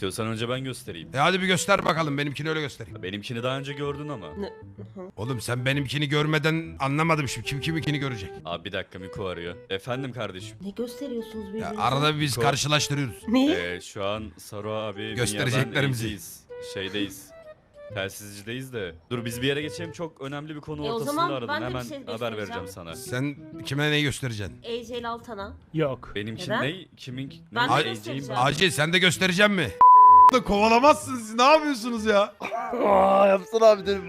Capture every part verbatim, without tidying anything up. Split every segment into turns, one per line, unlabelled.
İstiyorsan önce ben göstereyim.
E hadi bir göster bakalım, benimkini öyle göstereyim.
Benimkini daha önce gördün ama.
Ne?
Oğlum sen benimkini görmeden anlamadım şimdi. Kim kiminkini görecek?
Abi bir dakika, Miko arıyor. Efendim kardeşim.
Ne gösteriyorsunuz
Ya
birbirinize?
arada biz
Ko-
karşılaştırıyoruz.
Ne?
Ee, şu an Saru abi
Göstereceklerimizi.
Göstereceklerimizi. Şeydeyiz. Telsizcideyiz de. Dur biz bir yere geçelim, çok önemli bir konu
E, o
ortasında
zaman
aradın.
ben de bir
Hemen
şey
haber
göstereceğim.
vereceğim sana.
Sen kime ne göstereceksin?
A J Altan'a.
Yok.
Benimki
Neden?
ne? Kimin?
Ben
ne?
de
A J'yim
göstereceğim.
ben.
Acil sen de göstereceğim mi? Kovalamazsınız siz, ne yapıyorsunuz ya?
Aa, yapsana abi dedim.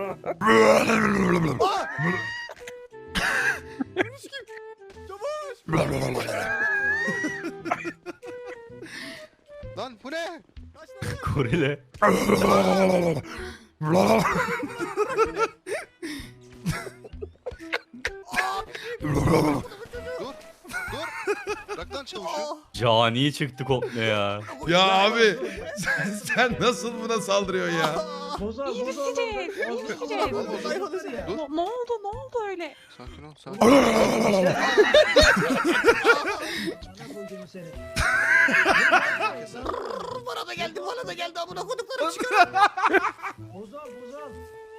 Lan bu ne?
Gorille.
Dur. Dur. Bırak lan çavuşu.
Cani çıktı komple ya.
Ya abi sen, sen nasıl buna saldırıyorsun ya?
Boza,
İyi düşecek. İyi düşecek.
Dur.
Ne, ne oldu? Ne oldu öyle?
Sakin ol, sakin ol.
Bana da geldi, bana da geldi. Amına koduklarım çıkar.
Bozal, bozal.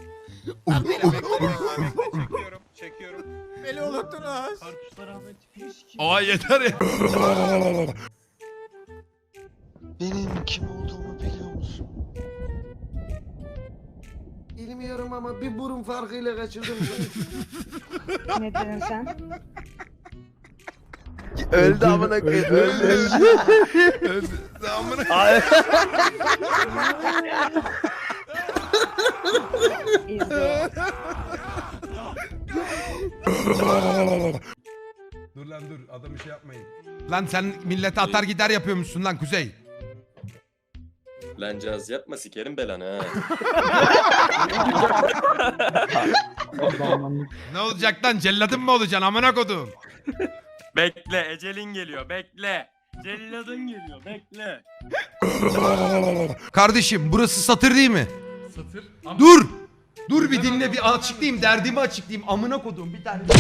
Çekiyorum, çekiyorum.
Beni unuttunuz.
Kartuşlar Ahmet tipini sikeyim.
Aa yeter ya.
Benim kim olduğumu biliyor musun?
Bilmiyorum ama bir burun farkıyla kaçırdım.
Ne dedin sen?
Öldü amına koyayım. Öldü.
Amına-
İzle.
Dur lan dur, adamı şey yapmayın. Lan sen millete atar gider yapıyormuşsun lan Kuzey.
Lan caz yapma sikerim belanı ha.
Ne olacak lan, celladın mı olacaksın amına kodum?
Bekle, ecelin geliyor, bekle. Celladın geliyor, bekle.
Kardeşim burası satır değil mi?
Satır.
Dur! Dur bir dinle, bir açıklayayım, derdimi açıklayayım amına kodum bir tane.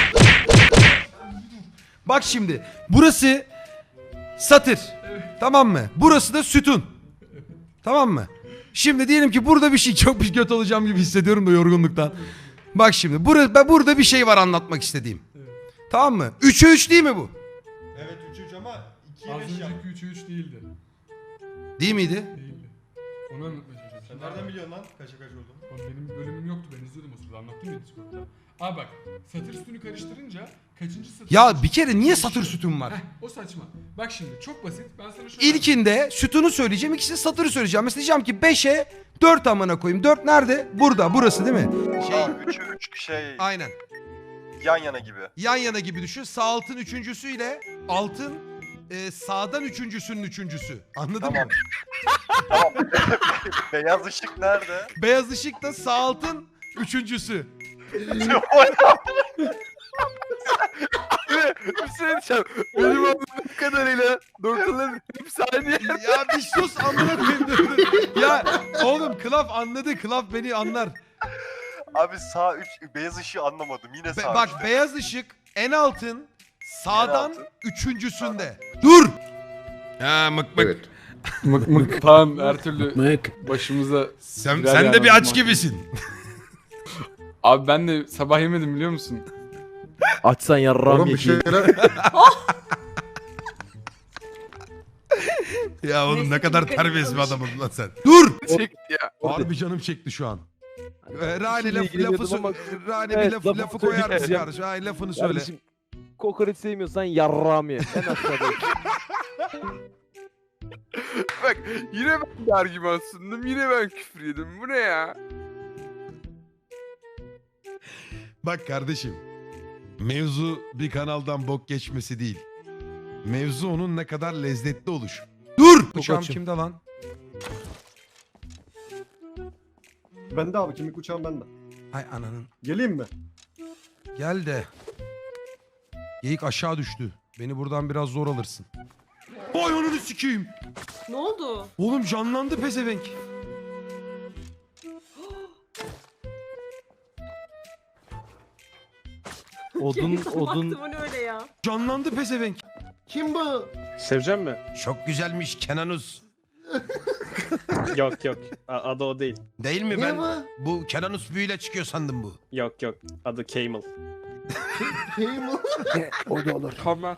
Bak şimdi burası satır, tamam mı? Burası da sütun, tamam mı? Şimdi diyelim ki burada bir şey, çok bir kötü olacağım gibi hissediyorum da yorgunluktan. Bak şimdi burada, ben burada bir şey var anlatmak istediğim. Tamam mı? üçe üç değil mi bu?
Evet üç üç ama ikiye beş yap. Az önceki üç üç değildi.
Değil miydi?
Değildi. Onu anlatmaya çalışıyorum. Sen nereden biliyorsun lan kaça kaç olduğunu? Benim bölümüm yoktu, ben izliyordum o sırada, anlattım ya Discord'da. Abi bak, satır sütünü karıştırınca kaçıncı satır...
Ya bir kere niye satır sütun var?
Heh, o saçma. Bak şimdi çok basit, ben sana şöyle...
İlkinde sütunu söyleyeceğim, ikisinde satırı söyleyeceğim. Mesela diyeceğim ki beşe dört amına koyayım. dört nerede? Burada, burası değil mi? Şey,
üçe üç şey
aynen.
yan yana gibi.
Yan yana gibi düşün. Sağ altın üçüncüsüyle altın e, sağdan üçüncüsünün üçüncüsü. Anladın
Tamam.
mı?
Tamam. Beyaz ışık nerede?
Beyaz ışık da sağ altın üçüncüsü.
Bir şey diyeceğim. Benim anladığım kadarıyla doktorların hepsi aynı yer.
Ya bir sus amına koyayım. dur, dur. Ya oğlum Klaf anladı. Klaf beni anlar.
Abi sağ üç beyaz ışığı anlamadım. Yine
Be-
sağ
bak
üçte.
beyaz ışık en altın sağdan
En altın.
üçüncüsünde. Dur. Ha mık mık.
Mık mık falan her türlü başımıza...
Sen,
Birer
sen de
yani
bir
o
aç
zaman.
gibisin.
Abi ben de sabah yemedim biliyor musun?
Açsan yarram ye.
Ya oğlum ne
Neyse,
kadar
dikkat
terbiyesiz bir
etmiş.
adamsın lan sen. Dur.
Çek ya.
Harbi canım çekti şu an. Ee, Rani
İşinle
laf,
ilgileniyordum
lafı,
ama-
sö- Rani
Evet,
bir laf,
lafı
lafı koyar mısın
söyleyeceğim.
kardeşim? Ay lafını söyle.
Kardeşim, kokoreç sevmiyorsan yarram ye. En aşağıda. Bak yine ben de argüman sundum. Yine ben küfür yedim. Bu ne ya?
Bak kardeşim. Mevzu bir kanaldan bok geçmesi değil. Mevzu onun ne kadar lezzetli oluşu. Dur! Uçağım
açım.
kimde lan?
Bende abi, kimlik uçağım bende.
Ay ananın.
Geleyim mi?
Gel de. Geyik aşağı düştü. Beni buradan biraz zor alırsın. Vay ananı sikeyim.
Ne oldu?
Oğlum canlandı pezevenk.
Odun
Baktım
odun.
o ne öyle ya?
Canlandı pezevenk.
Kim bu?
Sevecen mi?
Çok güzelmiş Kenanuz.
Yok yok. Adı o değil.
Değil mi?
Ne
Ben
bu?
bu Kenan Usbu'yla çıkıyor sandım bu.
Yok yok. Adı Camel.
Şey mi?
O da olur.
Tamam.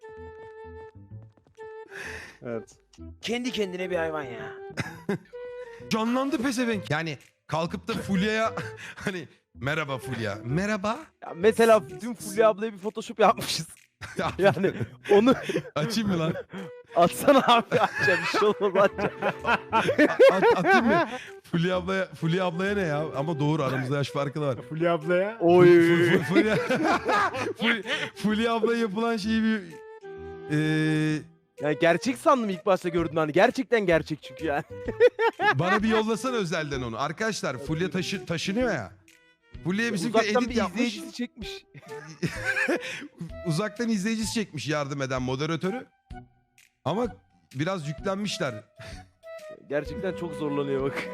Evet.
Kendi kendine bir hayvan ya.
Canlandı pezevenk. Yani kalkıp da Fulya'ya hani merhaba Fulya. Merhaba.
Ya mesela dün Fulya ablaya bir Photoshop yapmışız.
Ya,
Yani onu
açayım mı lan?
atsana abi açacağım bir şey olmaz açacağım.
At, atayım mı? Fulya ablaya, Fulya ablaya ne ya? Ama doğru aramızda yaş farkı da var.
Fulya ablaya.
Fu-
Oy.
fu- Fulya, Fulya, Fulya ablaya yapılan şeyi bir... Eee
Yani gerçek sandım ilk başta gördüm hani. Gerçekten gerçek çünkü yani.
bana bir yollasana özelden onu. Arkadaşlar Fulya taşı, taşınıyor ya. Fulya'ya bizim
Uzaktan
edit
bir
yapmış.
izleyicisi çekmiş.
Uzaktan izleyicisi çekmiş yardım eden moderatörü. Ama biraz yüklenmişler.
Gerçekten çok zorlanıyor bak.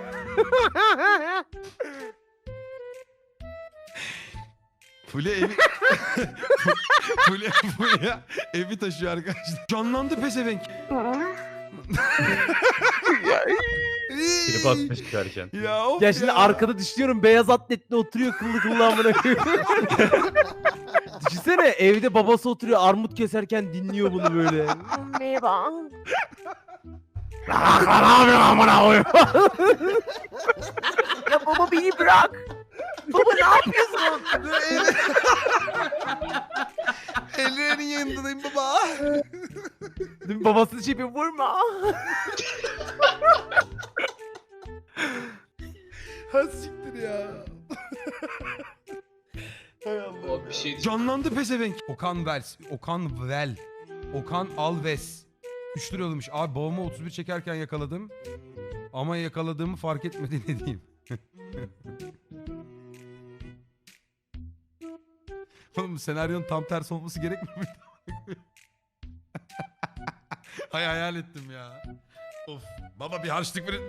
Fulya evi... Fulya, Fulya evi taşıyor arkadaşlar. Canlandı pezevenk.
Trip atmış çıkarken.
Ya of
Ya şimdi arkada düşünüyorum beyaz atletle oturuyor kıllı kıllı amına koyayım. Düşünsene evde babası oturuyor armut keserken dinliyor bunu böyle. Merhaba. Bırak lan abi amına koyayım. Ya baba beni bırak. Baba ne yapıyorsun?
Ellerinin yanındayım baba.
Dün babasını şey yapıyor vurma.
Ha siktir ya. Hay Allah.
Bir şey
Canlandı pezevenk. Okan Vels. Okan Vel. Okan Alves. üç lira yollamış. Abi babamı otuz bir çekerken yakaladım. Ama yakaladığımı fark etmedi ne diyeyim. Oğlum bu senaryonun tam tersi olması gerekmiyor muydu? Hay hayal ettim ya. Of. Baba bir harçlık verin.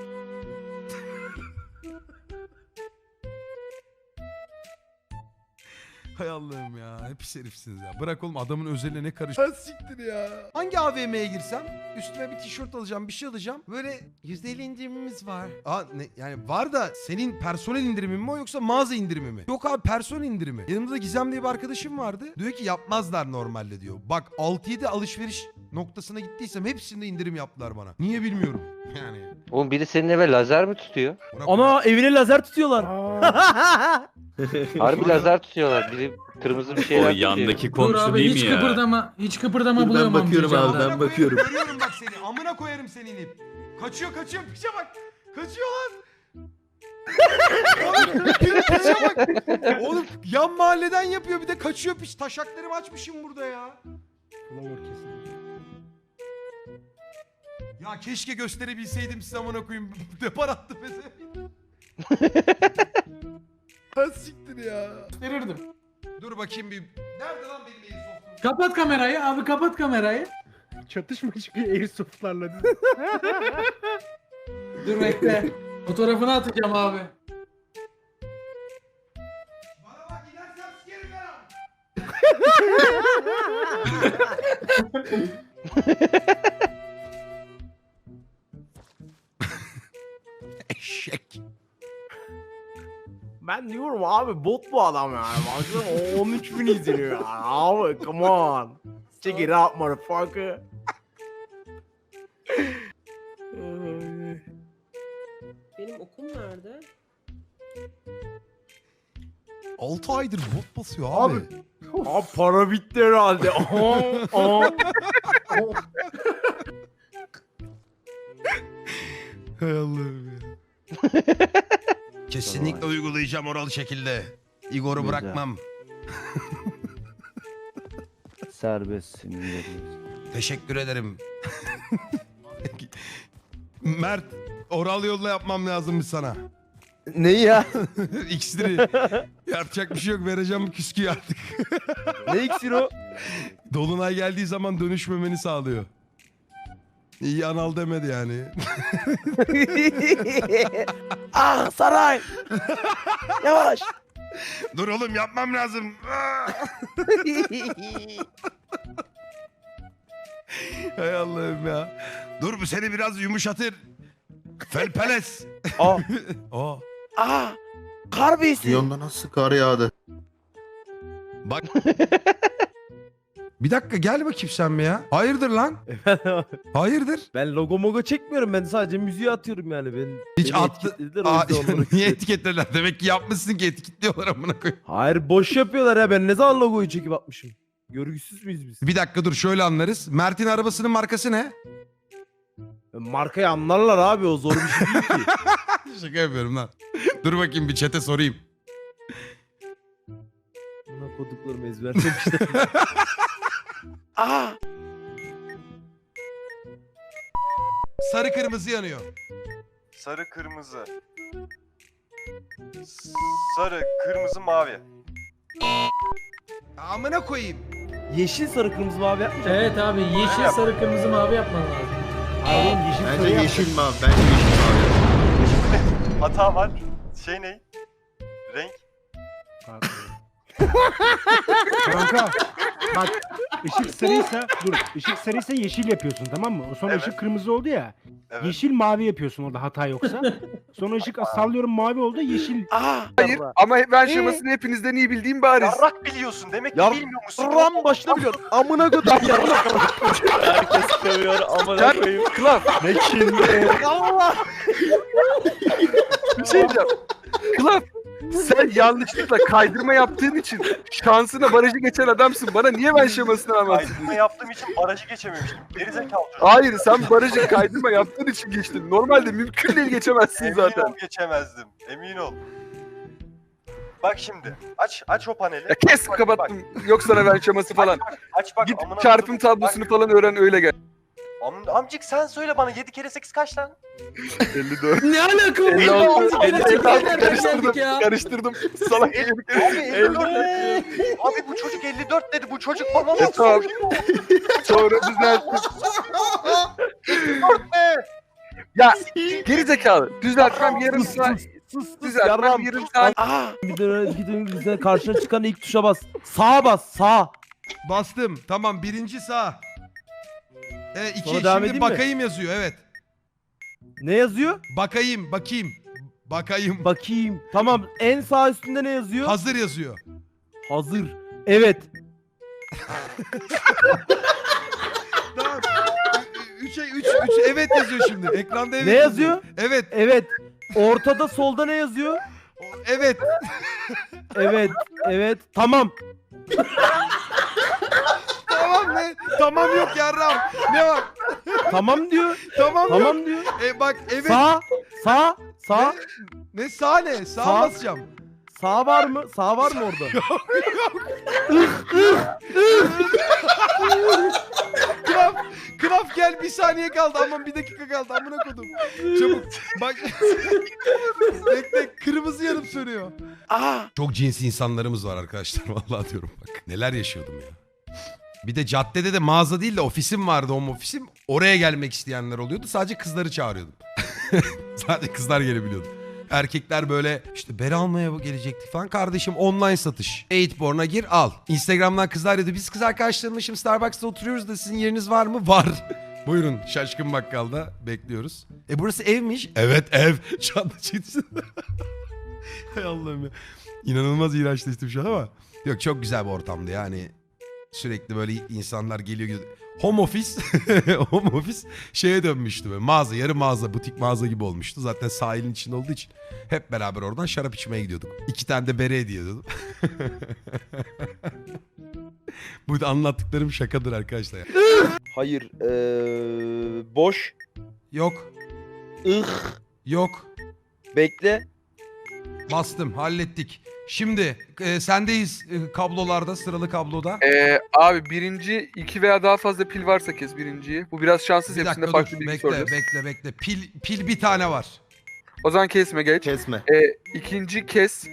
Hay Allah'ım ya. Hep herifsiniz ya. Bırak oğlum adamın özeline ne karış... Ha siktir ya. Hangi A V M'ye girsem üstüme bir tişört alacağım, bir şey alacağım. Böyle yüzde elli indirimimiz var. Aa ne, yani var da senin personel indirimi mi o yoksa mağaza indirimi mi? Yok abi personel indirimi. Yanımızda Gizem diye bir arkadaşım vardı. Diyor ki yapmazlar normalde diyor. Bak altı yedi alışveriş noktasına gittiysem hepsinde indirim yaptılar bana. Niye bilmiyorum. Yani.
Oğlum biri senin eve lazer mi tutuyor?
Ana evine lazer tutuyorlar.
Harbi lazer tutuyorlar. Biri kırmızı bir şeyler
O
tutuyor.
yandaki komşu değil mi ya?
hiç kıpırdama buluyorum
bakıyorum abi, ben bakıyorum.
Görüyorum bak seni. Amına koyarım seni inip. Kaçıyor kaçıyor piçe bak. Kaçıyor lan. Oğlum piçe bak. Oğlum yan mahalleden yapıyor bir de kaçıyor piç. Taşaklarımı açmışım burada ya. Ya keşke gösterebilseydim size amına koyayım. Depar attı peze. Ha siktir ya.
Verirdim.
Dur bakayım bir. Nerede lan benim Airsoft'um?
Kapat kamerayı abi kapat kamerayı.
Çatışma çıkıyor airsoftlarla.
Dur bekle. Fotoğrafını atacağım abi.
Bana bak inersem sikerim ben ha. Eşek.
Ben diyorum abi bot bu adam yani. Baksana on üç bin izleniyor yani. Abi come on. Check it out motherfucker.
Benim okum nerede?
altı aydır bot basıyor abi.
Abi. Abi para bitti herhalde. Aha, aha.
Hay Allah'ım ya. Kesinlikle uygulayacağım oral şekilde. Igor'u
Güzel.
bırakmam.
Serbestsin.
Teşekkür ederim. Mert, oral yolla yapmam lazımmış sana.
Ne ya?
İksiri. Yapacak bir şey yok. Vereceğim küsküyü artık.
Ne iksir o?
Dolunay geldiği zaman dönüşmemeni sağlıyor. İyi anal demedi yani.
Ah saray. Yavaş.
Dur oğlum yapmam lazım. Hay Allah'ım ya. Dur bu seni biraz yumuşatır. Felpeles.
Aa.
Aa.
Aa. Kar beysi.
Yonda nasıl kar yağdı?
Bak. Bir dakika gel bakayım sen bir ya. Hayırdır lan? Hayırdır?
Ben logo mogo çekmiyorum. Ben sadece müziği atıyorum yani. Ben,
Hiç
beni
attı.
etiketlediler, o
Aa,
yüzden onları
niye
etiketledim.
etiketlediler? Demek ki yapmışsın ki etiketliyorlar amına koyayım.
Hayır boş yapıyorlar ya. Ben ne zaman logoyu çekip atmışım? Görgüsüz müyüz biz?
Bir dakika dur şöyle anlarız. Mert'in arabasının markası ne?
Markayı anlarlar abi, o zor bir şey değil ki.
Şaka yapıyorum lan. Dur bakayım bir chat'e sorayım.
Buna koduklarımı ezberlemişler. Aa!
Sarı kırmızı yanıyor.
Sarı kırmızı. Sarı kırmızı mavi.
Amına koyayım.
Yeşil sarı kırmızı mavi yapmayacak.
Evet abi yeşil sarı kırmızı mavi yapman lazım.
Hayır oğlum, yeşil
Bence
sarı yap.
yeşil mavi. Bence yeşil mavi.
Hata var. Şey ne? Renk.
Kanka bak, ışık sarıysa dur, ışık sarıysa yeşil yapıyorsun, tamam mı? Sonra
Evet.
ışık kırmızı oldu ya.
Evet.
Yeşil mavi yapıyorsun orada, hata yoksa. Sonra ışık sallıyorum mavi oldu, yeşil.
Aa!
Hayır ama ben şemasını hepinizden iyi bildiğim bariz.
Yarrak biliyorsun. Demek ki
Yar-
bilmiyor musun?
Ram başına biliyorum. Amına kodum yarrak.
Herkes dövüyor amına koyayım.
Klaf.
Ne şimdi? Allah!
Bir şey diyeceğim. Klaf. Sen yanlışlıkla kaydırma yaptığın için şansına barajı geçen adamsın. Bana niye ben şemasını anlatsın?
Kaydırma yaptığım için barajı geçememiştim. Gerizekalı çocuk.
Hayır, sen barajı kaydırma yaptığın için geçtin. Normalde mümkün değil geçemezsin
Emin
zaten.
ol geçemezdim. Emin ol. Bak şimdi. Aç aç o paneli.
Ya kes
Bak,
kapattım. Yok sana ben şeması falan.
Bak, aç bak.
Git
amına
çarpım
koydum.
tablosunu
Bak,
falan öğren öyle gel.
am- amcık sen söyle bana yedi kere sekiz kaç lan?
elli dört.
Ne alaka bu?
elli altı.
elli altı,
elli altı.
nereden
Karıştırdım.
geldik ya?
Karıştırdım. Salak
Abi
herif.
elli dört dedi. Abi bu çocuk elli dört dedi. Bu çocuk bana
E,
nasıl
tamam.
soruyor?
Sonra düzelttim.
Ne?
Ya geri zekalı. Düzeltmem yarım
Sus
saat.
sus sus sus
Düzeltmem
yarram.
yarım saat.
Aa! Bir dönem bir dönem bizden karşına çıkan ilk tuşa bas. Sağa bas, sağ.
Bastım. Tamam birinci sağ. E, iki
Sonra devam
şimdi
edeyim mi?
bakayım yazıyor evet.
Ne yazıyor?
Bakayım bakayım. Bakayım.
Bakayım. Tamam, en sağ üstünde ne yazıyor?
Hazır yazıyor.
Hazır. Evet.
Tamam. Üç, üç, üç evet yazıyor şimdi. Ekranda evet
Ne yazıyor?
Evet.
Evet. Ortada solda ne yazıyor?
Evet.
Evet. Evet. Tamam.
Tamam ne? Tamam yok yarram. Ne var?
Tamam diyor.
Tamam, yok.
Tamam diyor.
E bak evet.
Sağ. Sağ. Sağ.
Ne sağ ne? Sağ,
Sağ.
basacağım.
Sağ var mı? Sağ var mı orada?
Knaf, Knaf gel bir saniye kaldı aman bir dakika kaldı amına kodum. Çabuk bak. Bekle kırmızı yanıp sönüyor.
Aa!
Çok cinsi insanlarımız var arkadaşlar vallahi diyorum bak. Neler yaşıyordum ya. Bir de caddede de mağaza değil de ofisim vardı home ofisim. Oraya gelmek isteyenler oluyordu. Sadece kızları çağırıyordum. Sadece kızlar gelebiliyordu. Erkekler böyle işte beri almaya gelecektik falan. Kardeşim online satış. Eightborn'a gir al. Instagram'dan kızlar dedi. Biz kız arkadaşlarımla şimdi Starbucks'ta oturuyoruz da sizin yeriniz var mı? Var. Buyurun Şaşkın Bakkal'da bekliyoruz. E burası evmiş. Evet ev. Çanta çıktı. Hay Allah'ım ya. İnanılmaz iğrençleştim şu an ama. Yok çok güzel bir ortamdı yani. Sürekli böyle insanlar geliyor gidiyor. Home office, home office şeye dönmüştü böyle. Mağaza, yarı mağaza, butik mağaza gibi olmuştu. Zaten sahilin içinde olduğu için hep beraber oradan şarap içmeye gidiyorduk. İki tane de bere hediye ediyordum. Bu da anlattıklarım şakadır arkadaşlar. Ya.
Hayır. Ee, boş.
Yok,
Ih.
yok.
Bekle.
Bastım, hallettik. Şimdi e, sendeyiz e, kablolarda, sıralı kabloda.
Ee, abi birinci iki veya daha fazla pil varsa kes birinciyi. Bu biraz şanssız,
Bir
hepsinde
dakika
farklı
dur,
bilgi
bekle,
soracağız.
bekle, bekle. Pil, pil bir tane var.
O zaman kesme geç.
Kesme.
Ee, ikinci kes.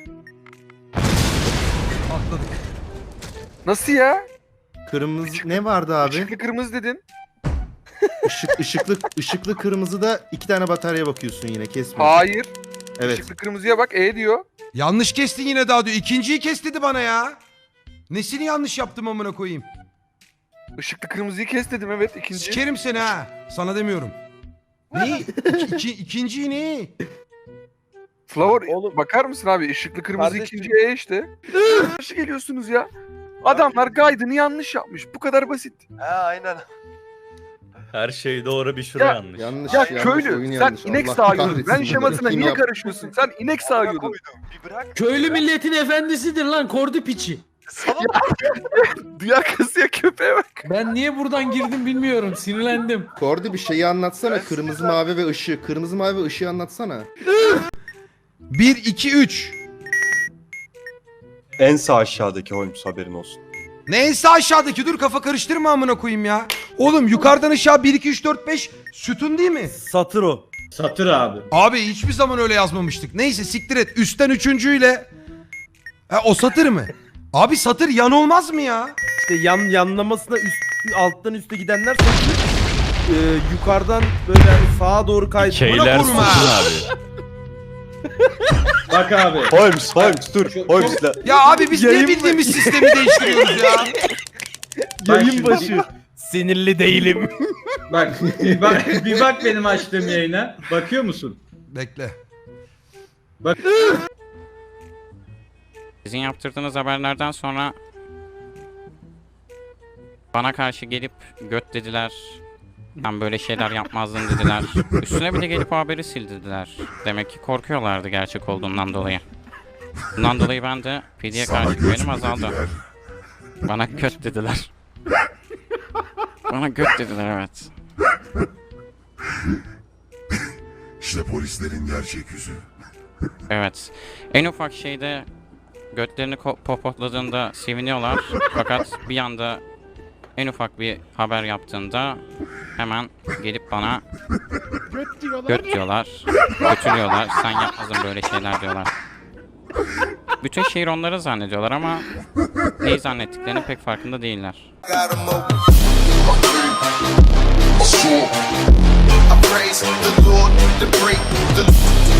Atladık.
Nasıl ya?
Kırmızı ne vardı abi?
Işıklı kırmızı dedin.
Işık, ışıklı, ışıklı kırmızıda iki tane batarya bakıyorsun yine kesme.
Hayır.
Evet.
Işıklı kırmızıya bak E diyor.
Yanlış kestin yine daha diyor. İkinciyi kes dedi bana ya. Nesini yanlış yaptım amına koyayım?
Işıklı kırmızıyı kes dedim, evet, ikinci.
Sikerim seni ha. Sana demiyorum. Ne? İki, iki, ikinciyi ne?
Flower
Oğlum-
bakar mısın abi? Işıklı kırmızı
Kardeşim-
ikinci E işte. Nasıl geliyorsunuz ya? Adamlar guide'ını yanlış yapmış. Bu kadar basit.
Ha aynen.
Her şey doğru bir şuraya
Ya-
yanlış.
Yanlış
Ya
yanlış, oyun
köylü sen
yanlış.
inek
Allah
sağıyordun.
kahretsin
Ben
bunu.
şemasına
Kim
niye
yaptı?
karışıyorsun? Sen inek
Amına
sağıyordun.
koydum. Bir bırak.
Köylü milletin efendisidir lan kordu piçi.
Sana
Duyar kasıya köpeğe bak.
Ben niye buradan girdim bilmiyorum sinirlendim.
Kordi bir şeyi anlatsana.
Ben
Kırmızı,
size-
mavi ve ışığı. Kırmızı, mavi ve ışığı anlatsana.
bir, iki, üç.
En sağ aşağıdaki Holmes, haberin olsun.
Neyse aşağıdaki dur kafa karıştırma amına koyayım ya. Oğlum yukarıdan aşağı bir, iki, üç, dört, beş sütun değil mi?
Satır o.
Satır abi.
Abi hiçbir zaman öyle yazmamıştık. Neyse siktir et. Üstten üçüncüyle. Ha, o satır mı? Abi satır yan olmaz mı ya?
İşte yan yanlamasına üst alttan üste gidenler satır. Ee, yukarıdan böyle yani sağa doğru kaydı.
Keyler
korum ha.
satın abi.
Bak abi.
Holmes, Holmes dur. Holmes'la.
Ya abi biz
Yayın
niye
mı?
bildiğimiz sistemi değiştiriyoruz ya?
Yayın başı. Sinirli değilim.
Bak bir bak, bir bak benim açtığım yayına. Bakıyor musun?
Bekle.
Sizin yaptırdığınız haberlerden sonra bana karşı gelip göt dediler. Ben böyle şeyler yazmazdım dediler. Üstüne bir de gelip o haberi sil dediler. Demek ki korkuyorlardı gerçek olduğundan dolayı. Bundan dolayı ben de P D'ye karşı güvenim azaldı. Bana göt dediler. Bana göt dediler, evet.
İşte polislerin gerçek yüzü.
Evet. En ufak şeyde götlerini ko- popotladığında seviniyorlar. Fakat bir anda en ufak bir haber yaptığında hemen gelip bana göt diyorlar. Götürüyorlar. Sen yapmadın böyle şeyler diyorlar. Bütün şehir onları zannediyorlar ama neyi zannettiklerinin pek farkında değiller.
I praise the Lord, the break, the